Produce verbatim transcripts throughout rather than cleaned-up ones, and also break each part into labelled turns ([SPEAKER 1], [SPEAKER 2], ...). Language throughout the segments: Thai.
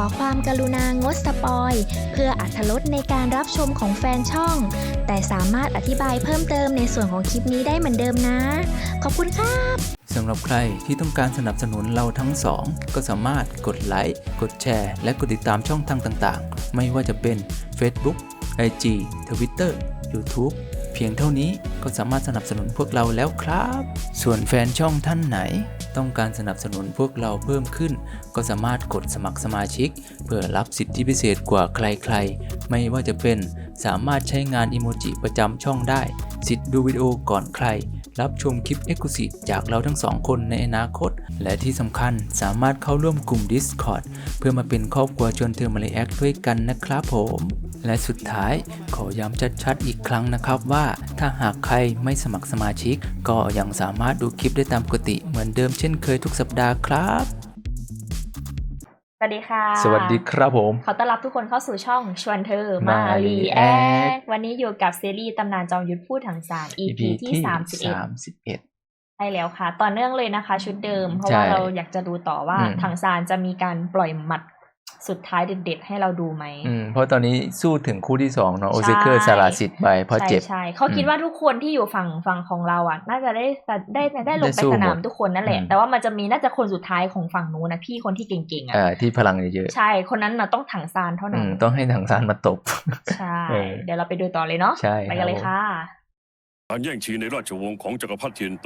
[SPEAKER 1] ความกรุณางดสปอยเพื่ออรรถรสในการรับชมของแฟนช่องแต่สามารถอธิบายเพิ่มเติมในส่วนของคลิปนี้ได้เหมือนเดิมนะขอบคุณครับ
[SPEAKER 2] สำหรับใครที่ต้องการสนับสนุนเราทั้งสองก็สามารถกดไลค์กดแชร์และกดติดตามช่องทางต่างๆไม่ว่าจะเป็น Facebook ไอ จี Twitter YouTube เพียงเท่านี้ก็สามารถสนับสนุนพวกเราแล้วครับส่วนแฟนช่องท่านไหนต้องการสนับสนุนพวกเราเพิ่มขึ้นก็สามารถกดสมัครสมาชิกเพื่อรับสิทธิพิเศษกว่าใครๆไม่ว่าจะเป็นสามารถใช้งานอิโมจิประจำช่องได้สิทธิ์ดูวิดีโอก่อนใครรับชมคลิป Exclusive จากเราทั้งสองคนในอนาคตและที่สำคัญสามารถเข้าร่วมกลุ่ม Discord เพื่อมาเป็นครอบครัวชวนเธอมาเลแอคด้วยกันนะครับผมและสุดท้ายขอย้ำชัดๆอีกครั้งนะครับว่าถ้าหากใครไม่สมัครสมาชิกก็ยังสามารถดูคลิปได้ตามปกติเหมือนเดิมเช่นเคยทุกสัปดาห์ครับ
[SPEAKER 1] สวัสดีค่ะ
[SPEAKER 2] สวัสดีครับผม
[SPEAKER 1] ขอต้อนรับทุกคนเข้าสู่ช่องชวนเธอมารีแอควันนี้อยู่กับซีรีส์ตำนานจอมยุทธพูดถังซาน อี พี ที่สามสิบเอ็ดใช่แล้วค่ะต่อเนื่องเลยนะคะชุดเดิมเพราะว่าเราอยากจะดูต่อว่าถังซานจะมีการปล่อยหมัดสุดท้ายเด็ดๆให้เราดูไหม
[SPEAKER 2] อืมเพราะตอนนี้สู้ถึงคู่ที่สองเนาะโอเซเกอร์สาราสิทธิ์ไปเพราะเจ็บ
[SPEAKER 1] ใช่เขาคิดว่าทุกคนที่อยู่ฝั่งฝั่งของเราอ่ะน่าจะได้ได้ได้ลงไปสนามทุกคนนั่นแหละแต่ว่ามันจะมีน่าจะคนสุดท้ายของฝั่งนู้นนะพี่คนที่เก่งๆอ่ะ
[SPEAKER 2] ที่พลังเยอะ
[SPEAKER 1] ๆใช่คนนั้นน่ะต้องถังซานเท่านั้น
[SPEAKER 2] ต้องให้ถังซานมาตบ
[SPEAKER 1] ใช่เดี๋ยวเราไปดูต่อเลยเนาะไปกันเลยค่ะ
[SPEAKER 3] การแย่งชิงในราชวงศ์ของจักรพรรดิเทียนโต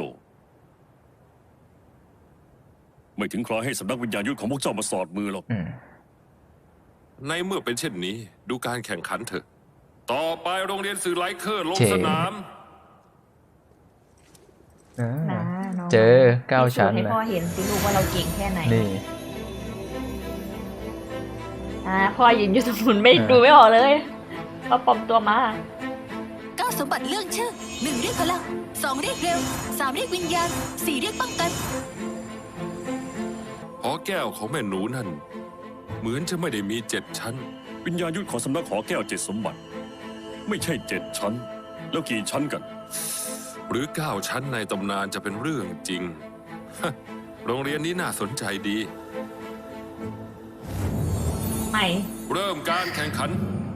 [SPEAKER 3] ไม่ถึงคราวให้สำนักวิญญาณยุทธของพวกเจ้ามาสอดมือหรอก
[SPEAKER 4] ในเมื่อเป็นเช่นนี้ดูการแข่งขันเถอะต่อไปโรงเรียนสื่อไลเคอร์ลงสนาม
[SPEAKER 2] เจอเก้าชั้น
[SPEAKER 1] ให้พ่อเห็นสิลูกว่าเราเก่งแค่ไหน
[SPEAKER 2] นี่
[SPEAKER 1] อ่าพ่อยืนอยู่ตรงนู้นไม่ดูไม่ออกเลยเขาปลอมตัวมา
[SPEAKER 5] เก้าสมบัติเรื่องชื่อหนึ่งเรียกพลังสองเรียกเร็วสามเรียกวิญญาณสี่เรียกป้องกัน
[SPEAKER 4] หอแก้วของแม่หนูนั่นเหมือนจะไม่ได้มีเจ็ดชั้น
[SPEAKER 3] วิญญาณยุทธของสำนักหอแก้วเจ็ดสมบัติไม่ใช่เจ็ดชั้นแล้วกี่ชั้นกัน
[SPEAKER 4] หรือเก้าชั้นในตำนานจะเป็นเรื่องจริงโรงเรียนนี้น่าสนใจดี
[SPEAKER 1] ไม่
[SPEAKER 4] เริ่มการแข่งขัน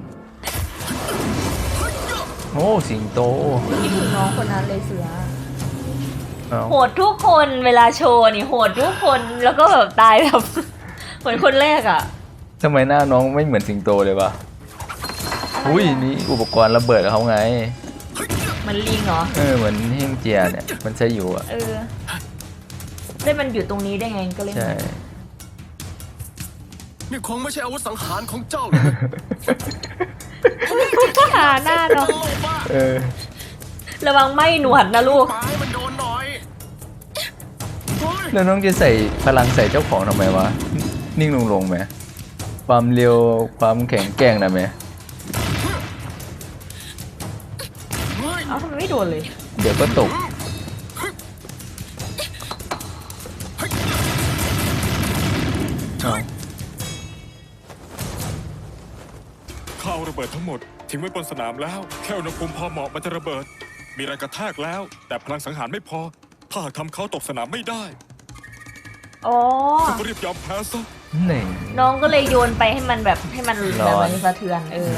[SPEAKER 2] โอ้สิงโต
[SPEAKER 1] มีลูกน้องคนนั้นเลยเสือโหดทุกคนเวลาโชว์นี่โหดทุกคนแล้วก็แบบตายแบบเหมือนคนแรกอ่ะ
[SPEAKER 2] ทำไมหน้าน้องไม่เหมือนสิงโตเลยวะอุ้ยนี่อุปกรณ์ระเบิดเขาไง
[SPEAKER 1] มันลิงเหรอ
[SPEAKER 2] เออเหมือนเฮงเจียเนี่ยมันใช้อยู่อ่ะ
[SPEAKER 1] เออได้มันอยู่ตรงนี้ได้ไงก็เลย
[SPEAKER 2] ใช่
[SPEAKER 4] นี่คงไม่ใช่อาวุธสังหารของเจ้า
[SPEAKER 1] ก็หาหน้าเนาะ
[SPEAKER 2] เออ
[SPEAKER 1] ระวังไม่หนวดนะลูก
[SPEAKER 4] มันโดนหน่อย
[SPEAKER 2] แล้วน้องจะใส่พลังใส่เจ้าของทำไมวะนิ่งลงลงไหมความเร็วความแข็งแกร่งนะไหม
[SPEAKER 1] เอ้าทำไมไม่โดนเลย
[SPEAKER 2] เดี๋ยวก็ตก
[SPEAKER 6] ข้าวระเบิดทั้งหมดทิ้งไว้บนสนามแล้วแค่อุณหภูมิพอเหมาะมันจะระเบิดมีแรงกระแทกแล้วแต่พลังสังหารไม่พอถ้าหากทำเขาตกสนามไม่ได้
[SPEAKER 1] อ๋อ
[SPEAKER 6] ก็รีบยอมแพ้ซะ
[SPEAKER 1] น้องก็เลยโยนไปให้มันแบบให้มันแบบมันสะเทือนเออ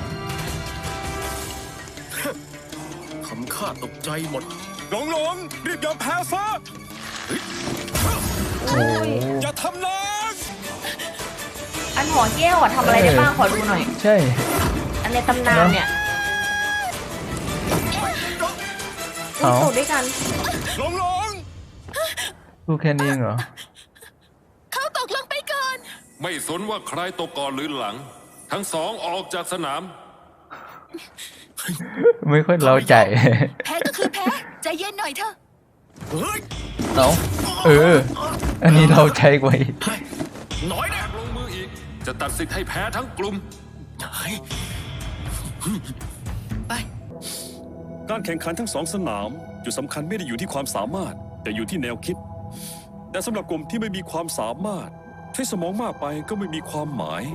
[SPEAKER 4] ทำข้าตกใจหมด
[SPEAKER 6] หลงหลงรีบยอมแพ้ซะอย่าทำน้
[SPEAKER 1] อันหอแก้วอ่ะทำอะไรได้บ้างขอดูหน่อย
[SPEAKER 2] ใช่
[SPEAKER 1] อันในตำนานเนี่ย
[SPEAKER 2] เขา
[SPEAKER 1] ตกด้วยกัน
[SPEAKER 6] หลงหลง
[SPEAKER 2] พูดแค่นี้เหรอ
[SPEAKER 5] เขาตกลงไปก่อน
[SPEAKER 4] ไม่สนว่าใครตกก่อนหรือหลังทั้งสองออกจากสนาม
[SPEAKER 2] ไม่ค่อยเล่าใจ
[SPEAKER 5] แพ้ก็คือแพ้ใจเย็นหน่อยเถอะ
[SPEAKER 2] เอาเอออันนี้เราใจกว่า
[SPEAKER 4] น้อยนะลงมืออีกจะตัดสิทธิ์ให้แพ้ทั้งกลุ่ม
[SPEAKER 5] ไป
[SPEAKER 3] การแข่งขันทั้งสองสนามจุดสำคัญไม่ได้อยู่ที่ความสามารถแต่อยู่ที่แนวคิดแต่สำหรับกลุ่มที่ไม่มีความสามารถใช้สมองมากไปก็ไม่มีความหมาย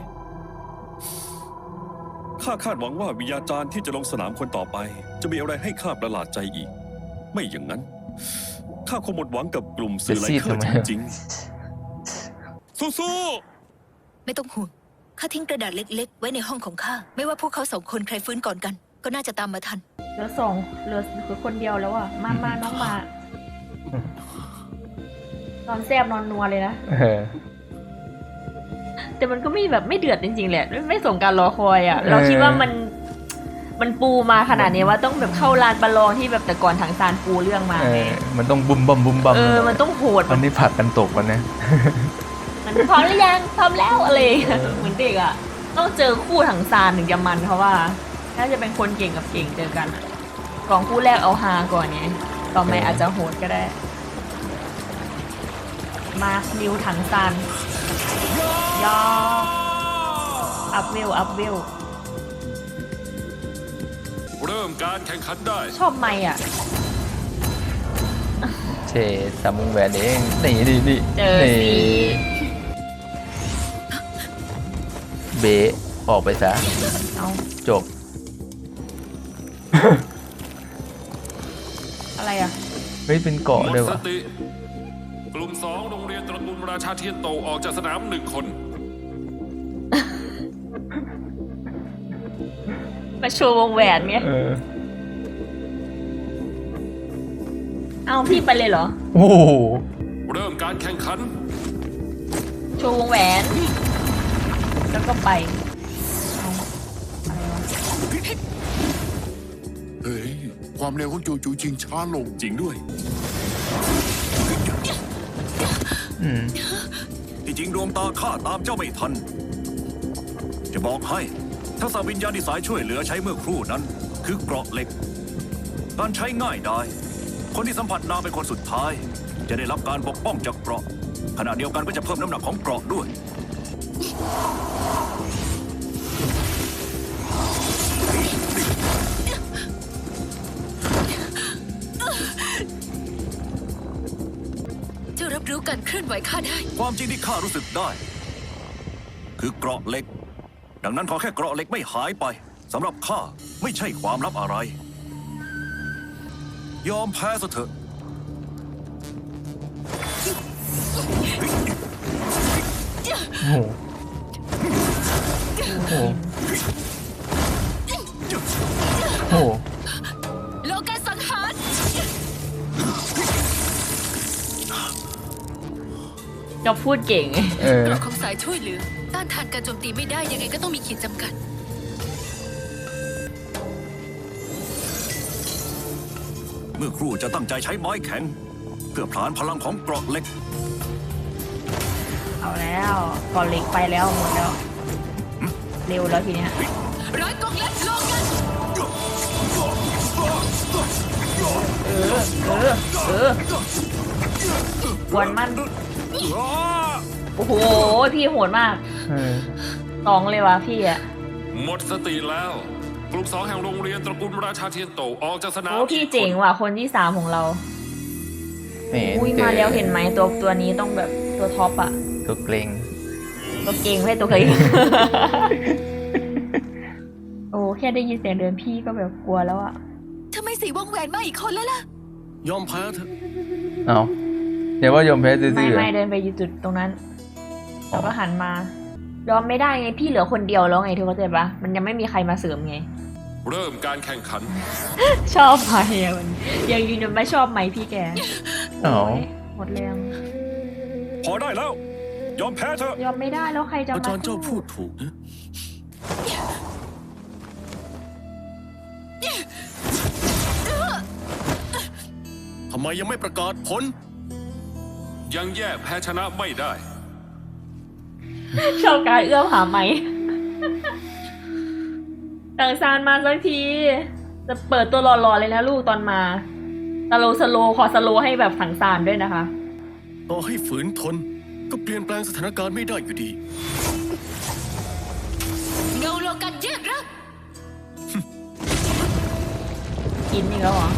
[SPEAKER 3] ข้าคาดหวังว่าวิญญาจารย์ที่จะลงสนามคนต่อไปจะมีอะไรให้ข้าประหลาดใจอีกไม่อย่างนั้นข้าคงหมดหวังกับกลุ่มสื่อไลเคอร์จริงๆ
[SPEAKER 6] สู้
[SPEAKER 5] ๆไม่ต้องห่วงข้าทิ้งกระดาษเล็กๆ ไว้ในห้องของข้า ไม่ว่าพวกเขาสองคนใครฟื้นก่อนกัน ก็น่าจะตามมาทัน
[SPEAKER 1] เหลือสองเหลือคือคนเดียวแล้วอ่ะ มามาน้องมา นอนแซบนอนนัวเลยนะ
[SPEAKER 2] เออ
[SPEAKER 1] แต่มันก็ไม่แบบไม่เดือดจริงๆแหละไม่ไม่สมการรอคอยอ่ะ เราคิดว่ามันมันปูมาขนาดนี้ว่าต้องแบบเข้าลานประลองที่แบบแต่ก่อนทางซานปูเรื่องมา
[SPEAKER 2] เอ
[SPEAKER 1] ไง
[SPEAKER 2] อ มันต้องบุมบัมบุมบัม
[SPEAKER 1] เออมันต้องโหด
[SPEAKER 2] วันนี้ผักกันตกวันนี้
[SPEAKER 1] มันพร้อมหรือยังพร้อมแล้วอะไรอย่างเงี้ยเหมือนเด็กอ่ะ ต้องเจอคู่ถังซานถึงจะมันเพราะว่าน่าจะเป็นคนเก่งกับเก่งเจอกันอะกองคู่แรกเอาฮาก่อนไงต่อไปอาจจะโหดก็ได้ มานิวถังซานยออัพเวลอัพเวล
[SPEAKER 4] เริ่มการแข่งขันได้
[SPEAKER 1] ชอบไม่อ่ะ
[SPEAKER 2] เชสามวงแหวนเองนี่นี่นี่
[SPEAKER 1] เจอสิ
[SPEAKER 2] นี่เบะออกไปซะ
[SPEAKER 1] เอา
[SPEAKER 2] จบ
[SPEAKER 1] อะไรอ่ะ
[SPEAKER 2] เฮ้ยเป็นเกาะ
[SPEAKER 4] หมด
[SPEAKER 2] ด้วย
[SPEAKER 4] ส
[SPEAKER 2] วะ
[SPEAKER 4] ติ กลุ่มสองโรงเรียนตระกูลราชาเทียนโตออกจากสนามหนึ่งคน
[SPEAKER 1] มาโชว์วงแหวนเนี้ย
[SPEAKER 2] เออ
[SPEAKER 1] เอาพี่ไปเลยเหรอ
[SPEAKER 2] โอ้โห
[SPEAKER 4] เริ่มการแข่งขัน
[SPEAKER 1] โชว์วงแหวน แล้วก็ไปเอาอะไรวะ
[SPEAKER 7] เฮ้ย ความเร็วของจูจูชิงช้าลง
[SPEAKER 3] จริงด้วย
[SPEAKER 2] อืม
[SPEAKER 3] ที่จริงดวงตาข้าตามเจ้าไม่ทัน จะบอกให้ทักษะวิญญาณที่สายช่วยเหลือใช้เมื่อครู่นั้น คือเกราะเหล็ก การใช้ง่ายได้ คนที่สัมผัสนางเป็นคนสุดท้าย จะได้รับการปกป้องจากเกราะ ขณะเดียวกันก็จะเพิ่มน้ำหนักของเกราะด้วย
[SPEAKER 5] เจ้ารับรู้การเคลื่อนไหวข้าได้
[SPEAKER 3] ความจริงที่ข้ารู้สึกได้ คือเกราะเหล็ก ดังนั้นขอแค่เกราะเหล็กไม่หายไปสำหรับข้าไม่ใช่ความลับอะไร ยอมแพ้ซะเถอะ
[SPEAKER 2] โอ้โห โอ้โห โอ้โห
[SPEAKER 5] โลกาสังหาร
[SPEAKER 1] จะพูดเก่ง
[SPEAKER 2] เออ
[SPEAKER 5] เกราะของสายช่วยเหลือ ต้านทานการโจมตีไม่ได้ยังไงก็ต้องมีขีดจำกัด
[SPEAKER 3] เมื่อครู่จะตั้งใจใช้ไม้แข็ง เพื่อผลานพลังของเกราะเหล็ก
[SPEAKER 1] เอาแล้วก่อนเล็กไปแล้วหมดแล้ว เร็วแล้วทีเนี้ย
[SPEAKER 5] ร้อยกองเล็กโลกัน
[SPEAKER 1] เออ เออ เออหวนมัน โอ้โห พี่โหดมาก
[SPEAKER 2] เออ
[SPEAKER 1] สองเลยวะพี่อะ
[SPEAKER 4] หมดสติแล้ว กลุ่มสองแห่งโรงเรียนตระกูลราชาเทียนโตออกจากสนาม
[SPEAKER 1] โอ้พี่เจ๋งว่ะคนที่สามของเรา
[SPEAKER 2] ไม่เห็น
[SPEAKER 1] อุ้ย
[SPEAKER 2] เจ
[SPEAKER 1] มา
[SPEAKER 2] อ
[SPEAKER 1] แล้วเห็นไหมตัวตัวนี้ต้องแบบตัวท็อปอะ
[SPEAKER 2] ตัวเกรง
[SPEAKER 1] ตัวเก่งไม่ใช่ตัวเคย โอ้แค่ได้ยินเสียงเดินพี่ก็แบบกลัวแล้วอะ
[SPEAKER 5] ทำไมสีวงแหวนมาอีกคนแล้วล่ะ
[SPEAKER 3] ยอมแพ้เถอะ
[SPEAKER 2] เอาเดี๋ยวว่ายอมแพ้ซื่อ
[SPEAKER 1] ไม่
[SPEAKER 2] ๆเหรอ
[SPEAKER 1] ไม่เดินไปอยู่จุดตรงนั้นแล้วก็หันมายอมไม่ได้ไงพี่เหลือคนเดียวแล้วไงเธอเข้าใจปะมันยังไม่มีใครมาเสริมไง
[SPEAKER 4] เริ่มการแข่งขัน
[SPEAKER 1] ชอบไหมอะมันยังยืนยันไม่ชอบไหมพี่แก
[SPEAKER 2] อ๋อ
[SPEAKER 1] โอ้ยหมดแรง
[SPEAKER 3] พอได้แล้ว ยอมแพ้เถอะ
[SPEAKER 1] ยอมไม่ได้แล้วใครจะมา
[SPEAKER 3] อาจารย์เจ้าพูดถูกนะ ทำไมยังไม่ประกาศผล
[SPEAKER 4] ยังแยกแพ้ชนะไม่ได้
[SPEAKER 1] ชอบการเอื้อมหาไหม ต่างซานมาสักที จะเปิดตัวหล่อๆเลยนะลูกตอนมาสโลสโลขอสโลให้แบบถังซานด้วยนะคะ
[SPEAKER 3] ต่อให้ฝืนทน ก็เปลี่ยนแปลงสถานการณ์ไม่ได้อยู่ดี
[SPEAKER 5] เงาโลกันแยกร่าง
[SPEAKER 1] กินอีกแล้วเหรอ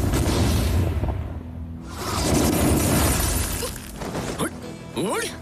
[SPEAKER 3] เฮ้ย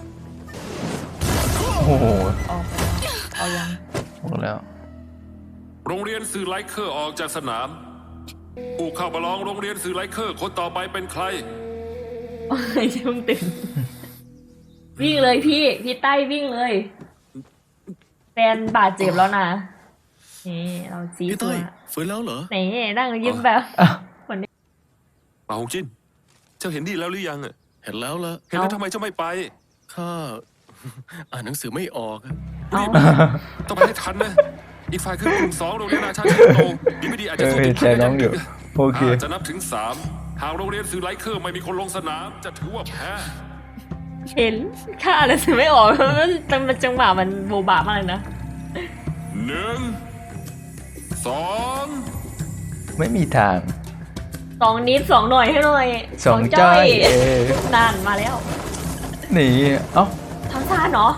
[SPEAKER 2] โอ้โห
[SPEAKER 1] ออกไปแล้วเอายัง
[SPEAKER 2] หมดแล้ว
[SPEAKER 4] โรงเรียนสื่อไลเคอร์ออกจากสนาม ผู้เข้าประลองโรงเรียนสื่อไลเคอร์คนต่อไปเป็นใคร
[SPEAKER 1] โอ้ยเพิ่งตื่น วิ่งเลยพี่ พี่ใต้วิ่งเลยนบาดเจ็บแล้วนะนี่เราซี
[SPEAKER 8] พี่
[SPEAKER 1] ตั
[SPEAKER 8] เต้
[SPEAKER 1] วย
[SPEAKER 8] ฟื้นแล้วเหรอ
[SPEAKER 1] นี่นั่งยิ้มแบบ
[SPEAKER 4] ป่าหงจิน เจ้าเห็นดีแล้วหรือยังอะ
[SPEAKER 8] เห็นแล้วละ
[SPEAKER 4] เห็นแล้วทำไมเจ้าไม่ไป
[SPEAKER 8] ข้า อ่านหนังสือไม่ออกอะ
[SPEAKER 1] เอา
[SPEAKER 4] ต้องไปให้ทันนะ อีกฝ่ายคือกลุ่มสองโรงเรียนนาชาติโตดีไม่ดีอาจจะสู้ติดพันกันยังดึก
[SPEAKER 2] โอเค
[SPEAKER 4] อาจจะนับถึงสามหากโรงเรียนสื่อไลเคอร์ไม่มีคนลงสนาม จะถือว่าแพ้
[SPEAKER 1] เห็นค่าอะไรซื้อไม่ออก มันมันจังหวะมันโบบะมากเลยนะ
[SPEAKER 4] หนึ่งสอง
[SPEAKER 2] ไม่มีทาง
[SPEAKER 1] สองนิดสองหน่อยให้หน่อย
[SPEAKER 2] สองจ้อยเออ
[SPEAKER 1] นานมาแล้ว
[SPEAKER 2] หนีเอ้า
[SPEAKER 1] ทำซ่านเนาะ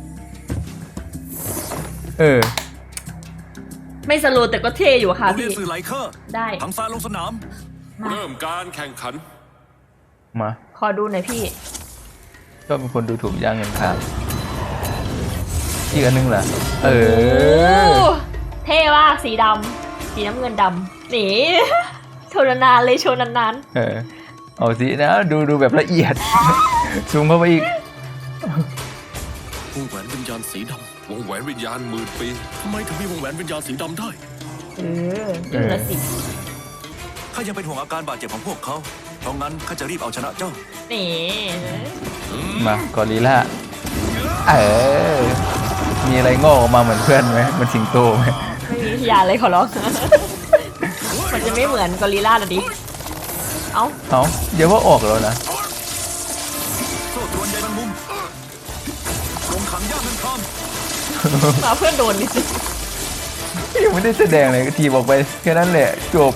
[SPEAKER 2] เออ
[SPEAKER 1] ไม่สโลว์แต่ก็เท่อยู่ค่ะ
[SPEAKER 3] โรงเรี
[SPEAKER 1] พี่
[SPEAKER 3] ยนสื่อไลเคอร์
[SPEAKER 1] ได้
[SPEAKER 3] ทั้งซานลงสนาม
[SPEAKER 1] มา
[SPEAKER 4] เริ่มการแข่งขัน
[SPEAKER 2] มา
[SPEAKER 1] ขอดูหน่อยพี่
[SPEAKER 2] ก็เป็นคนดูถูกย่างเงินครับอีกอันนึงล่ะ เออ
[SPEAKER 1] โอ้เท่มากสีดำสีน้ำเงินดำนี่ โชว์นานๆเลยโชว์นาน
[SPEAKER 2] เออ เอาสินะ ดูดูแบบละเอียด ซูมเข้าไปอีก
[SPEAKER 8] วงแหวนวิญญาณสีด
[SPEAKER 4] วงแหวนวิญญาณหมื่นปี
[SPEAKER 8] ำทำไมถึงมีวงแหวนวิญญาณสีดำได้
[SPEAKER 1] ๆเออดูละสิ
[SPEAKER 3] ข้ายังเป็นห่วงอาการบาดเจ็บของพวกเขา เพราะงั้นข้าจะรีบเอาชนะเจ้า
[SPEAKER 1] นี่
[SPEAKER 2] มากอริลล่า เออ มีอะไรงอกออกมาเหมือนเพื่อนไหมเหมันสิงโตไหม
[SPEAKER 1] ไม่มีพยานเลยขอร้อง มันจะไม่เหมือนกอริลล่าหรอดิ เอ้า
[SPEAKER 2] เอ้าเดี๋ยวว่าออกแล้วนะ
[SPEAKER 3] โซ่ตรวนใยแมงมุมลงขังย่าเงินคราม
[SPEAKER 1] มาเพื่อนโดนดิ
[SPEAKER 2] ยังไม่ได้แสดงเลยก็ทีบอกไปแค่นั้นแหละ จบ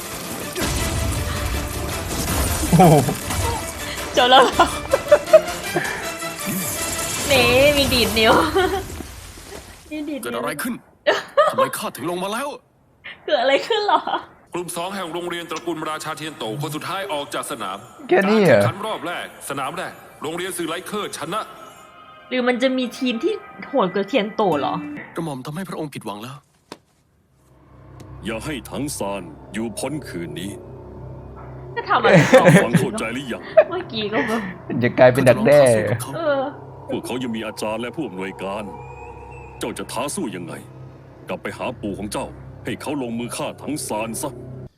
[SPEAKER 2] โอ้โห
[SPEAKER 1] จบแล้วเหรอนี่มีดีดนิ้ว มีดีด
[SPEAKER 8] เกิด
[SPEAKER 1] นิ้ว
[SPEAKER 8] อะไรขึ้น ทำไมข้าถึงลงมาแล้ว
[SPEAKER 1] เกิดอะไรขึ้นเหรอ
[SPEAKER 4] กลุ่มสองแห่งโรงเรียนตระกูลราชาเทียนโตคนสุดท้ายออกจากสนาม
[SPEAKER 2] แค่นี้เหรอ
[SPEAKER 4] การแข่งขันรอบแรก สนามแรก โรงเรียนสื่อไลเคอร์ชนะ
[SPEAKER 1] หรือมันจะมีทีมที่โหดกว่าเทียนโตเหรอ
[SPEAKER 8] กระหม่อมทำให้พระองค์ผิดหวังแล้ว
[SPEAKER 6] อย่าให้ทั้งซานอยู่พ้นคืนนี้
[SPEAKER 1] ก็ทำอะไรต่อ
[SPEAKER 6] ฟังเข้าใจหรือยัง
[SPEAKER 1] เมื่อกี้ก็แบบ
[SPEAKER 2] จะกลายเป็นดักแด้
[SPEAKER 1] เออ
[SPEAKER 6] พวกเขายังมีอาจารย์และผู้อำนวยการ เจ้าจะท้าสู้ยังไง กลับไปหาปู่ของเจ้า ให้เขาลงมือฆ่าทั้งซานซะ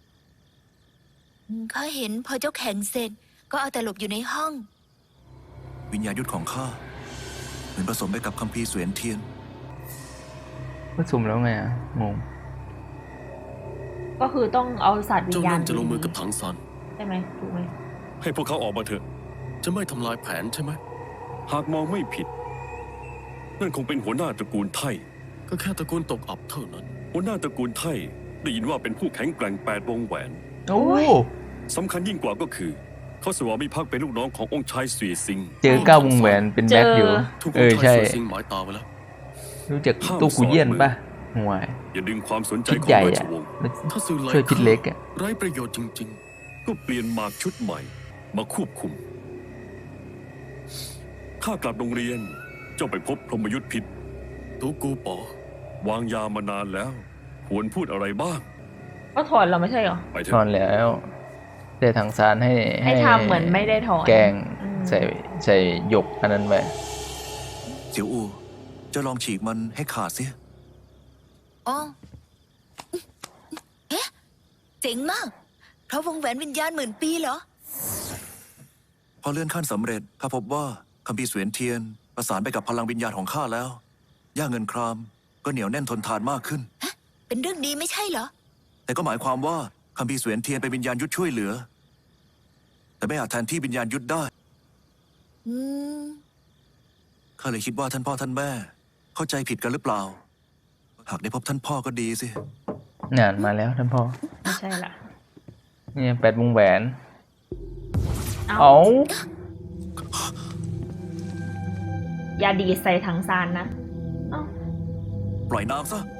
[SPEAKER 5] ข้าเห็นพอเจ้าแข่งเสร็จ ก็เอาแต่หลบอยู่ในห้อง
[SPEAKER 3] วิญญาณยุทธของข้าเหมือนผสมไปกับคัมภีร์เสวียนเทียน
[SPEAKER 2] ก็สุ่มแล้วไงอ่ะ งง
[SPEAKER 1] ก็คือต้องเอาศาสตร์วิ
[SPEAKER 8] เจ้า
[SPEAKER 1] ญญาณ
[SPEAKER 8] นั่นจะลงมือกับถังซาน
[SPEAKER 1] ใช่ไหมถูกไหม
[SPEAKER 6] ให้พวกเขาออกมาเถอะ
[SPEAKER 8] จะไม่ทำลายแผนใช่ไหม
[SPEAKER 6] หากมองไม่ผิด นั่นคงเป็นหัวหน้าตระกูลไทย
[SPEAKER 8] ก็แค่ตระกูลตกอับเท่านั้น
[SPEAKER 6] หัวหน้าตระกูลไทยได้ยินว่าเป็นผู้แข็งแกร่งแปดวงแหวน
[SPEAKER 2] โอ้
[SPEAKER 6] สำคัญยิ่งกว่าก็คือ เขาสวามิภักดิ์เป็นลูกน้องขององค์ชายเสวียซิง
[SPEAKER 2] เจอเก้าวงแหวนเป็นแบ็คอยู่
[SPEAKER 8] ทุกค
[SPEAKER 2] เอน อ
[SPEAKER 8] ไทย
[SPEAKER 2] ใช่
[SPEAKER 8] เสือสิงหมายตาไว้แล้ว
[SPEAKER 2] รู้จักตู้กูเยี่ยนป่ะห่วย
[SPEAKER 6] อย่าดึงความสนใจ
[SPEAKER 2] พิษ
[SPEAKER 6] ของ
[SPEAKER 2] ใหญ่
[SPEAKER 6] ราช
[SPEAKER 2] อ่ะ
[SPEAKER 6] วงศ์
[SPEAKER 8] ถ้าสื่อไล
[SPEAKER 2] ช่วยพิษเล็กอ่ะ
[SPEAKER 8] ไร้ประโยชน์จริง
[SPEAKER 6] ก็เปลี่ยนหมากชุดใหม่ มาควบคุม ข้ากลับโรงเรียน เจ้าไปพบพรหมยุทธพิษ
[SPEAKER 8] ๆ ตูกูป๋อ
[SPEAKER 6] วางยามานานแล้ว ควรพูดอะไรบ้าง
[SPEAKER 1] ก็ถอนเราไม่ใช่เหรอ
[SPEAKER 6] ไปเถ
[SPEAKER 2] ถอน
[SPEAKER 6] อะ
[SPEAKER 2] แล้วแต่ทางซานให้
[SPEAKER 1] ให้ทำเหมือนไม่ได้ถอน
[SPEAKER 2] แกง
[SPEAKER 1] อืม
[SPEAKER 2] ใส่ใส่หยกอันนั้นไป
[SPEAKER 3] เสี่ยวอูเจะลองฉีกมันให้ขาดสิ
[SPEAKER 5] อ๋อเอ๊ะเจ๋งมาก เพราะวงแหวนวิญญาณหมื่นปีเหรอ
[SPEAKER 3] พอเลื่อนขั้นสำเร็จข้าพบว่าคัมภีร์เสวียนเทียน ประสานไปกับพลังวิญญาณของข้าแล้ว ย่าเงินครามก็เหนียวแน่นทนทานมากขึ้น
[SPEAKER 5] เป็นเรื่องดีไม่ใช่เหรอ
[SPEAKER 3] แต่ก็หมายความว่าคัมภีร์เสวียนเทียนเป็นวิญญาณยุทธช่วยเหลือ แต่ไม่อาจแทนที่วิญญาณยุทธได้
[SPEAKER 5] อืม
[SPEAKER 3] ข้าเลยคิดว่าท่านพ่อท่านแม่ เข้าใจผิดกันหรือเปล่า หากได้พบท่านพ่อก็ดีสิ
[SPEAKER 2] งานมาแล้วท่านพ่อ
[SPEAKER 1] ไม่ใช่ละ
[SPEAKER 2] เนี่ยแปดวงแหวน
[SPEAKER 1] เอา
[SPEAKER 2] เอา
[SPEAKER 1] อย่าดีดใส่ถังซานนะ เอ้า
[SPEAKER 3] ปล่อยน้ำซะ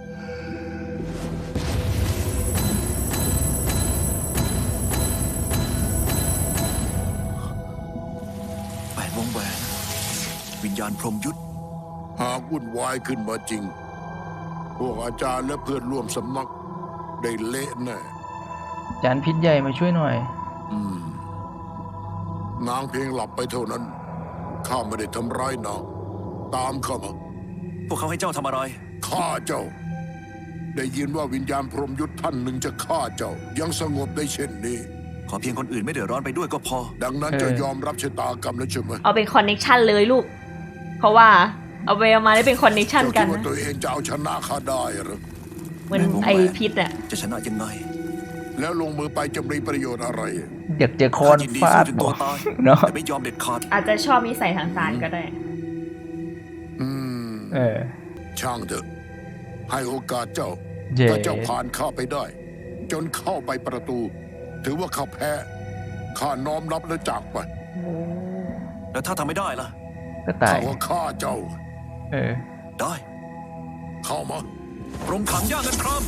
[SPEAKER 3] แปดวงแหวน วิญญาณพรหมยุทธ
[SPEAKER 7] หากวุ่นวายขึ้นมาจริง พวกอาจารย์และเพื่อนร่วมสำนัก ได้เละแน่
[SPEAKER 2] จานพิษใหญ่มาช่วยหน่อย
[SPEAKER 7] อืม นางเพียงหลับไปเท่านั้น ข้าไม่ได้ทำร้ายนาง ตามเข้ามา
[SPEAKER 3] พวกเขาให้เจ้าทำอะไร
[SPEAKER 7] ฆ่าเจ้าได้ยินว่าวิญญาณพรหมยุทธ์ท่านหนึ่งจะฆ่าเจ้ายังสงบได้เช่นนี้
[SPEAKER 3] ขอเพียงคนอื่นไม่เดือดร้อนไปด้วยก็พอ
[SPEAKER 7] ดังนั้นจะยอมรับชะตากรรมแล้วใช่ไหม
[SPEAKER 1] เอาเป็นคอนเน็กชันเลยลูก เพราะว่าเอาไปเอามาได้เป็นคอนเน็กชัน
[SPEAKER 7] เจ้า
[SPEAKER 1] กั
[SPEAKER 7] คิ
[SPEAKER 1] น
[SPEAKER 7] ดว่า
[SPEAKER 1] นะ
[SPEAKER 7] ตัวเองจะเอาชนะข้าได้หรือ
[SPEAKER 1] เหมือนไอพิษอะ
[SPEAKER 3] จะชนะยังไง
[SPEAKER 7] แล้วลงมือไปจะมีประโยชน์อะไร
[SPEAKER 2] อยากเจอคอน
[SPEAKER 3] ยินดี
[SPEAKER 2] ฟา
[SPEAKER 3] สู้
[SPEAKER 2] ด
[SPEAKER 3] จน
[SPEAKER 2] บ
[SPEAKER 3] ตั
[SPEAKER 2] อ
[SPEAKER 3] ว
[SPEAKER 2] ก
[SPEAKER 3] ตาย
[SPEAKER 2] เนาะ
[SPEAKER 3] แต่ไม่ยอมเด็ดขาด
[SPEAKER 1] อาจจะชอบนิสัยทางสารก็ได้
[SPEAKER 7] อืม
[SPEAKER 2] เออ
[SPEAKER 7] ช่างเถอะให้โอกาสเจ้า
[SPEAKER 2] เย่
[SPEAKER 7] ถ้าเจ้าผ่านข้าไปได้ จนเข้าไปประตู ถือว่าข้าแพ้ข้าน้อมรับและจากไป
[SPEAKER 3] แล้วถ้าทำไม่ได้ล่ะ
[SPEAKER 2] ก็ตาย
[SPEAKER 7] ข้าว่าฆ่าเจ้า
[SPEAKER 2] เออ
[SPEAKER 3] ได้
[SPEAKER 7] เข้ามา
[SPEAKER 3] กรงขังย่าเงินคราม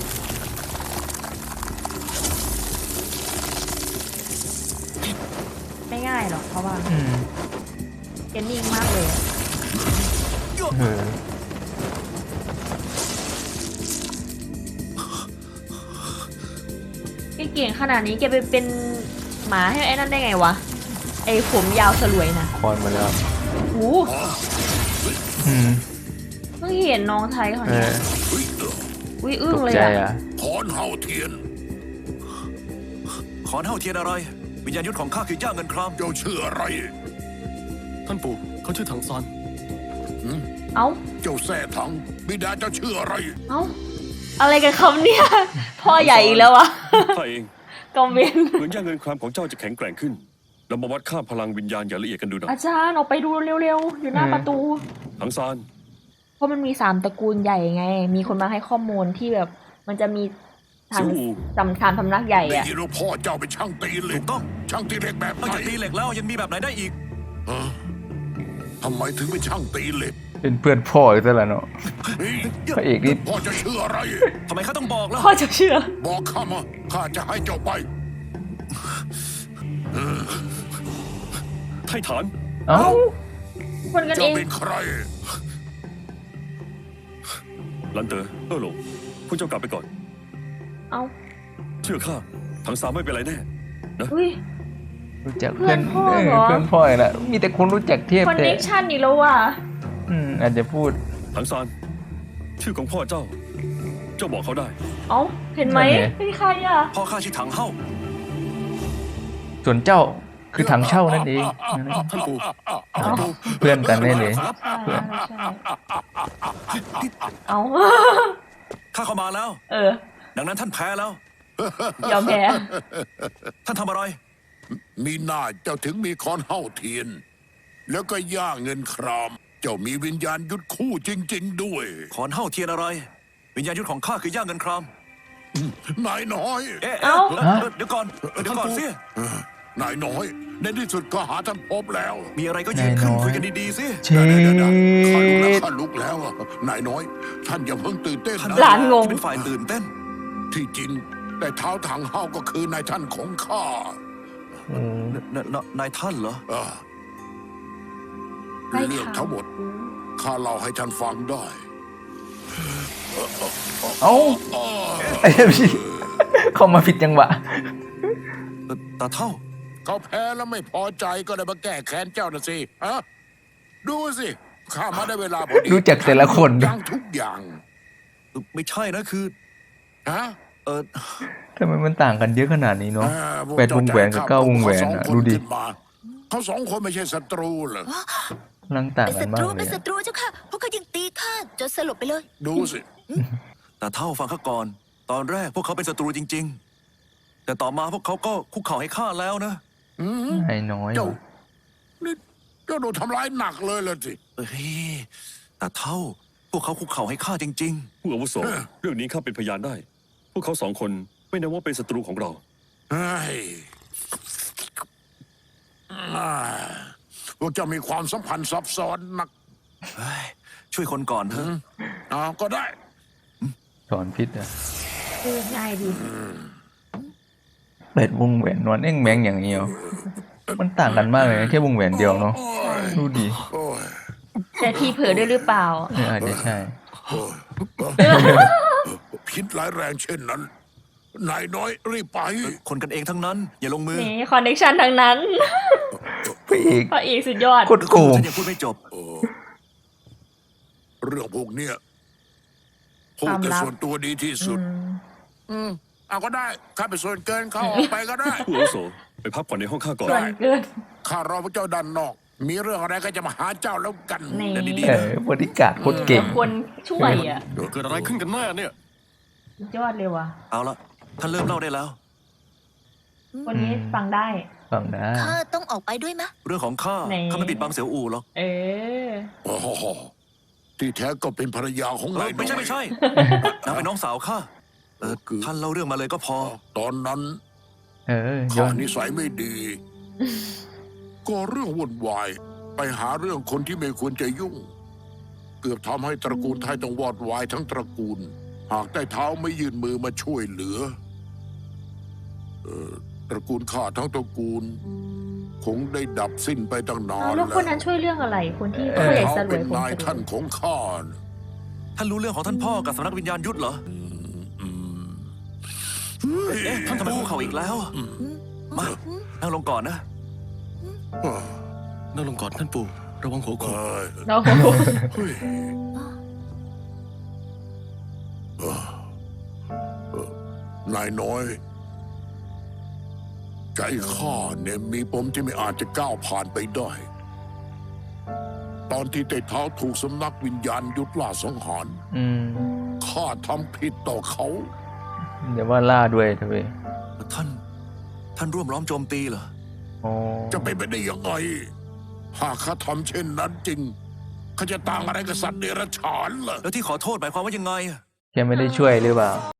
[SPEAKER 1] ไม่ง่ายหรอกเพราะว่า
[SPEAKER 2] อืม
[SPEAKER 1] เกนนิ่งมากเลยอะ
[SPEAKER 2] เออ
[SPEAKER 1] แกเก่งขนาดนี้แกไปเป็นหมาให้ไอ้นั่นได้ไงวะ ไอ้ผมยาวสลวยนะ
[SPEAKER 2] คอนมาแล้ว
[SPEAKER 1] โอ้
[SPEAKER 2] อืม
[SPEAKER 1] เพิ่งเห็นน้องไทยเขา
[SPEAKER 2] เอ
[SPEAKER 1] เนี่ย
[SPEAKER 2] อ
[SPEAKER 1] อุ้ยอึ้
[SPEAKER 2] ต
[SPEAKER 1] ง
[SPEAKER 2] ก
[SPEAKER 1] เลย
[SPEAKER 2] ใจ
[SPEAKER 1] อะ
[SPEAKER 2] อ่ะ
[SPEAKER 7] ขอนเฮาเทียน
[SPEAKER 3] ขอเท่าเทียนอะไร วิญญาณยุทธของข้าคือย่าเงินคราม
[SPEAKER 7] เจ้าชื่ออะไร
[SPEAKER 8] ท่านปู่เขาชื่อถังซาน
[SPEAKER 1] เอ้า
[SPEAKER 7] เจ้าแส่ถัง บิดาเจ้าชื่ออะไร
[SPEAKER 1] เอ้า อะไรกันคำเนี่ย พ่อใหญ่อีกแล้ววะ
[SPEAKER 4] ข้าเอง
[SPEAKER 1] กอมเวน
[SPEAKER 4] เหมือนย่าเงินครามของเจ้าจะแข็งแกร่งขึ้น เรามาวัดค่าพลังวิญญาณอย่างละเอียดกันดูหน่อย
[SPEAKER 1] อาจารย์ออกไปดูเร็วๆ อยู่หน้า
[SPEAKER 2] อืม
[SPEAKER 1] ประตู
[SPEAKER 4] ทั้งซาน
[SPEAKER 1] เพราะมันมีสามตระกูลใหญ่ไง มีคนมาให้ข้อมูลที่แบบ มันจะมีทาง
[SPEAKER 4] ซิวอู
[SPEAKER 1] สำสามสำนักใหญ่
[SPEAKER 7] ได้
[SPEAKER 1] อะ
[SPEAKER 7] ยินว่าพ่อเจ้าเป็นช่างตีเหล็
[SPEAKER 3] ถู
[SPEAKER 7] ก
[SPEAKER 3] กต้อง
[SPEAKER 7] ช่างตีเหล็กแบบ
[SPEAKER 3] นอก
[SPEAKER 7] ไหน
[SPEAKER 3] จากตีเหล็กแล้วยังมีแบบไหนได้อีก
[SPEAKER 7] ฮะทำไมถึงเป็นช่างตีเหล็ก
[SPEAKER 2] เป็นเพื่อนพ่ออีกแล้วเนาะ
[SPEAKER 7] นี่
[SPEAKER 2] พระเอกนี่
[SPEAKER 7] พ่อจะชื่ออะไร
[SPEAKER 3] ทำไมข้าต้องบอกล่ะ
[SPEAKER 1] พ่อจะเชื่อ
[SPEAKER 7] บอกข้ามาข้าจะให้เจ้าไป
[SPEAKER 4] ไทฐาน
[SPEAKER 2] เอ้า
[SPEAKER 1] คนกัน
[SPEAKER 7] เจ้า
[SPEAKER 1] เอง
[SPEAKER 7] เป็นใคร
[SPEAKER 4] ลันเตอร์เออหลงพวกเจ้ากลับไปก่อน
[SPEAKER 1] เอ้า
[SPEAKER 4] เชื่อข้าทั้งซานไม่เป็นไรแน่
[SPEAKER 1] อุ้ย
[SPEAKER 2] รู้จัก
[SPEAKER 1] เพื่
[SPEAKER 2] เพื่
[SPEAKER 1] อ
[SPEAKER 2] อน น
[SPEAKER 1] พ่อ
[SPEAKER 2] เออ
[SPEAKER 1] เหรอ
[SPEAKER 2] เพื่อนพ่ออีกแล้วมีแต่คนรู้จักเทพ
[SPEAKER 1] คอน
[SPEAKER 2] แต่
[SPEAKER 1] เนคชั่นอีกแล้วว่ะ
[SPEAKER 2] อืมอาจจะพูด
[SPEAKER 4] ทั้งซานชื่อของพ่อเจ้า เจ้าบอกเขาได้
[SPEAKER 1] เอ้า เห็นไหม
[SPEAKER 2] นั่นไง
[SPEAKER 1] เป็นใครอะ
[SPEAKER 3] พ่อข้าชื่อถังเฮ้า
[SPEAKER 2] ส่วนเจ้าคือถังเช่านั่นเอง
[SPEAKER 8] ท่านปู่
[SPEAKER 2] เพื่อนกันแน่เลย
[SPEAKER 1] ใช่ใช่เอ้า
[SPEAKER 3] ข้าเข้ามาแล้ว
[SPEAKER 1] เออ
[SPEAKER 3] ดังนั้นท่านแพ้แล้ว
[SPEAKER 1] ยอมแพ้
[SPEAKER 3] ท่านทำอะไร
[SPEAKER 7] มีหน้าเจ้าถึงมีคอนเฮาเทียน แล้วก็ย่าเงินคราม เจ้ามีวิญญาณยุดคู่จริง ๆ ด้วย
[SPEAKER 3] ขอนเฮ้าเทียนอะไร วิญญาณยุทธของข้าคือย่าเงินคราม
[SPEAKER 7] นายน้อย
[SPEAKER 3] เอ๊ะ
[SPEAKER 1] เอ้า
[SPEAKER 3] เอ๊ะเอ๊ะเดี๋ยวก่อน เดี๋ยวก่อนสิ
[SPEAKER 7] นายน้อย ในที่สุดก็หาท่านพบแล้ว
[SPEAKER 3] มีอะไรก็ยืนขึ้นคุยกันดีๆสิ
[SPEAKER 2] เช็
[SPEAKER 7] เดี๋ยวๆๆข้าลุกแล้ว
[SPEAKER 2] ด
[SPEAKER 7] ข้าลุกแล้วอะนายน้อย ท่านอย่าเพิ่งตื่นเต้น
[SPEAKER 3] ท่าน
[SPEAKER 7] นะ
[SPEAKER 1] หลานงง
[SPEAKER 3] ที่เป็นฝ่ายตื่นเต้น
[SPEAKER 7] ที่จริง แต่เท้าทางเฮาก็คือนายท่านของข้า
[SPEAKER 2] อืม
[SPEAKER 3] นนนนายท่านเหรอ
[SPEAKER 7] เออ
[SPEAKER 1] ไม่
[SPEAKER 7] เรื่อง
[SPEAKER 1] ค่ะ
[SPEAKER 7] ทั้งหมดข้าเล่าให้ท่านฟังได้
[SPEAKER 2] เอ้าไอ้พี่เข้ามาผิดจังหวะ
[SPEAKER 3] ตาเท่า
[SPEAKER 7] เขาแพ้แล้วไม่พอใจก็เลยมาแก้แค้นเจ้านะสิฮะดูสิข้ามาได้เวลาพอดี
[SPEAKER 2] รู้จักแต่ละคน
[SPEAKER 7] ยังทุกอย่าง
[SPEAKER 3] ไม่ใช่นะคือ
[SPEAKER 7] ฮะ
[SPEAKER 3] เออ
[SPEAKER 2] ทำไมมันต่างกันเยอะขนาดนี้เนาะ
[SPEAKER 7] อ่าพก
[SPEAKER 2] แปดวงแหวนกับเก้าวงแหวน
[SPEAKER 7] เขาสอง
[SPEAKER 2] อะ
[SPEAKER 7] คน
[SPEAKER 2] ดูดิ
[SPEAKER 7] ขึ้นมาเขาสองคนไม่ใช่ศัตรูเหรอ
[SPEAKER 2] พลังต่าง
[SPEAKER 5] เป็น
[SPEAKER 2] กั
[SPEAKER 5] ศั
[SPEAKER 2] น
[SPEAKER 5] ต
[SPEAKER 2] มาก
[SPEAKER 5] รู
[SPEAKER 2] เล
[SPEAKER 5] เป็น
[SPEAKER 2] ย
[SPEAKER 5] ศั
[SPEAKER 2] อะ
[SPEAKER 5] ตรูเจ้าค่ะพวกเขายังตีข้าจนสลบไปเลย
[SPEAKER 7] ดูสิ
[SPEAKER 3] ตาเท่าฟังข้าก่อน ตอนแรกพวกเขาเป็นศัตรูจริง ๆ แต่ต่อมาพวกเขาก็คุกเข่าให้ข้าแล้วนะ
[SPEAKER 7] อืม
[SPEAKER 2] ไอ้น้อย
[SPEAKER 7] เจ้า
[SPEAKER 2] ว่ะ
[SPEAKER 7] นี่เจ้าโดนทำร้ายหนักเลยล่ะสิ
[SPEAKER 3] เฮ้ยตาเท่า พวกเขาคุกเข่าให้ข้าจริง
[SPEAKER 4] ผู้อาวุโส เรื่องนี้ข้าเป็นพยานได้ พวกเขาสองคนไม่นับว่าเป็นศัตรูของเรา
[SPEAKER 7] เฮ้ยอ่าพวกเจ้ามีความสัมพันธ์ซับซ้อนนัก
[SPEAKER 3] ๆเฮ้ยช่วยคนก่อนเถอะ
[SPEAKER 7] อ่าก็ได้
[SPEAKER 2] สอนพิษอะ
[SPEAKER 1] เออง่ายดี
[SPEAKER 2] แปดวงแหวนนวลเอ็งแมงอย่างเดียว มันต่างกันมากเลยนะแค่วงแหวนเดียวเนาะ ดูดิ
[SPEAKER 7] โอ้ย
[SPEAKER 1] แต่ทีเผลอด้วยหรือเปล่า
[SPEAKER 2] เอออาจจะใช่
[SPEAKER 7] โอ้ยพิษร้ายแรงเช่นนั้น นายน้อยรีบไป
[SPEAKER 3] คนกันเองทั้งนั้น อย่าลงมือ
[SPEAKER 1] นี่คอนเนคชั่นทั้งนั้น
[SPEAKER 2] พระเอก
[SPEAKER 1] พระเอกสุดยอด
[SPEAKER 2] โคตรโกง
[SPEAKER 3] ฉันยังพูดไม่จบ
[SPEAKER 7] เรื่องพวกเนี้ยพูดแต่ส่วนตัวดีที่สุด
[SPEAKER 1] อืม
[SPEAKER 7] อืมเอาก็ได้ข้าไปส่วนเกินเขาออกไปก็ได้
[SPEAKER 6] ผู้อาวุโสไปพักผ่อนในห้องข้าก่อน
[SPEAKER 1] ส่วนเกิน
[SPEAKER 7] ข้ารอพระเจ้าด้านนอก มีเรื่องอะไรก็จะมาหาเจ้าแล้วกัน
[SPEAKER 1] นี่
[SPEAKER 3] เดี๋ยวดี
[SPEAKER 2] เออบริการโคตรเก่ง
[SPEAKER 1] คนช่วยอ่ะ
[SPEAKER 8] เกิดอะไรขึ้นกันแน่เนี่ย
[SPEAKER 1] สุดยอดเลยว่ะ
[SPEAKER 3] เอาละท่านเริ่มเล่าได้แล้ว
[SPEAKER 1] คนนี้ฟังได้
[SPEAKER 2] ฟังนะ
[SPEAKER 5] ข้าต้องออกไปด้วยมะ
[SPEAKER 3] เรื่องของข้า
[SPEAKER 1] ไหน
[SPEAKER 3] ข้าไม่ปิดบังเสียวอูหรอก
[SPEAKER 1] เออ
[SPEAKER 7] โอ้โหที่แท้ก็เป็นภรรยาของาย
[SPEAKER 3] เอนอ
[SPEAKER 7] น้อย
[SPEAKER 3] ไม่ใช่ไม่ใช่นางเป็นน้องสาวข้าเออท่านเล่าเรื่องมาเลยก็พอ
[SPEAKER 7] ตอนนั้น
[SPEAKER 2] เออย้
[SPEAKER 7] ข้า
[SPEAKER 2] อน
[SPEAKER 7] นิสัยไม่ดี ก็เรื่องวุ่นวายไปหาเรื่องคนที่ไม่ควรจะยุ่ง เกือบทำให้ตระกูลไทยต้องวอดวายทั้งตระกูล หากได้เท้าไม่ยื่นมือมาช่วยเหลือเอ่อตระกูลข้าทั้งตระกูล คงได้ดับสิ้นไปตั้งนา
[SPEAKER 1] เอา
[SPEAKER 7] น
[SPEAKER 1] แล้ว
[SPEAKER 7] แล้ว
[SPEAKER 1] คนนั้นช่วยเรื่องอะไร คนที่
[SPEAKER 7] แต่
[SPEAKER 1] ผู้ใหญ่
[SPEAKER 7] เขา
[SPEAKER 1] สลว
[SPEAKER 7] เป็
[SPEAKER 1] ย
[SPEAKER 7] น
[SPEAKER 1] คน
[SPEAKER 7] นาย
[SPEAKER 1] สลว
[SPEAKER 7] ท่าน
[SPEAKER 1] ย
[SPEAKER 7] ของข้านะ
[SPEAKER 3] ท่านรู้เรื่องของท่านพ่อกับสำนักวิญญาณยุทธเหรอ
[SPEAKER 7] อืม
[SPEAKER 3] เอ๊ะท่านทำไมคุกเข่าอีกแล้วมานั่งลงก่อนนะ
[SPEAKER 7] เอ้ย
[SPEAKER 8] นั่งลงก่อนท่านปู่ ระวังหัวโขก
[SPEAKER 7] เอ้ย
[SPEAKER 1] เรา
[SPEAKER 7] เฮ้ยเอ้อเอ้อนายน้อย ใจข้าเนี่ยมีปมที่ไม่อาจจะก้าวผ่านไปได้ ตอนที่เตเท้าถูกสำนักวิญญาณยุทธล่าสังหาร
[SPEAKER 2] อืม
[SPEAKER 7] ข้าทำผิดต่อเขา
[SPEAKER 2] เดี๋ยวว่าล่าด้วยเถอะเว้ย
[SPEAKER 3] ท่าน ท่านร่วมล้อมโจมตีเหรอ
[SPEAKER 2] อ๋อ
[SPEAKER 7] จะเป็นไปได้ยังไง หากข้าทำเช่นนั้นจริงข้าจะต่างอะไรกับสัตว์เดรัจฉานเหรอ
[SPEAKER 3] แล้วที่ขอโทษหมายความว่ายังไงอะ
[SPEAKER 2] แกไม่ได้ช่วยหรือเปล่า